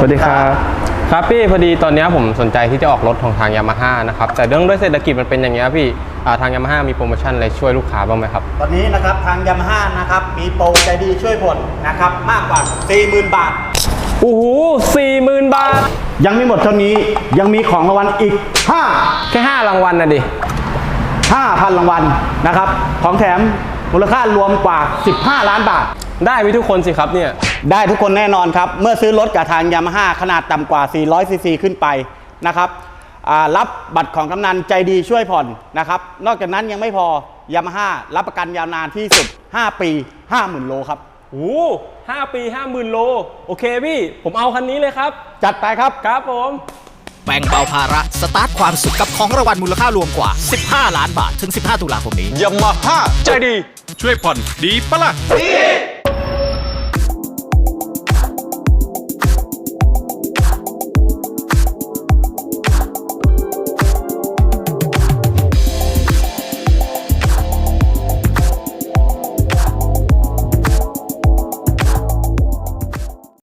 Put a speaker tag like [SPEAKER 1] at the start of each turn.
[SPEAKER 1] วัสดีครับครับพี่พอดีตอนนี้ผมสนใจที่จะออกรถของทางยามาฮ่านะครับแต่เรื่องด้วยเศรษฐกิจมันเป็นอย่างเงี้ยพี่ทางยามาฮ่ามีโปรโมชั่นอะไรช่วยลูกค้าบ้างไหมครับ
[SPEAKER 2] ตอนนี้นะครับทางยามาฮ่านะครับมีโปรใจดีช่วยผ่อนนะครับมากกว่า 40,000 บาท
[SPEAKER 1] โอ้โห40,000 บาท
[SPEAKER 2] ยังไม่หมดเท่านี้ยังมีของรางวัลอีก
[SPEAKER 1] แค่5รางวัลนะดิ
[SPEAKER 2] 5,000 รางวัลนะครับของแถมมูลค่ารวมกว่า15 ล้านบาท
[SPEAKER 1] ได้ไปทุกคนสิครับเนี่ย
[SPEAKER 2] ได้ทุกคนแน่นอนครับเมื่อซื้อรถกับทางยามาฮ่าขนาดต่ำกว่า400ซีซีขึ้นไปนะครับรับบัตรของกำนันใจดีช่วยผ่อนนะครับนอกจากนั้นยังไม่พอยามาฮ่ารับประกันยาวนานที่สุด5 ปี 50,000 โลครับ
[SPEAKER 1] โอ้5 ปี 50,000 โลโอเคพี่ผมเอาคันนี้เลยครับ
[SPEAKER 2] จัดไปครับ
[SPEAKER 1] ครับผม
[SPEAKER 3] แบ่งเบาภาระสตาร์ทความสุขกับของรางวัลมูลค่ารวมกว่า15 ล้านบาทถึง15 ตุลาคมนี้
[SPEAKER 4] ยามาฮ่าใจดีช่วยผ่อนดีปะล่ะดี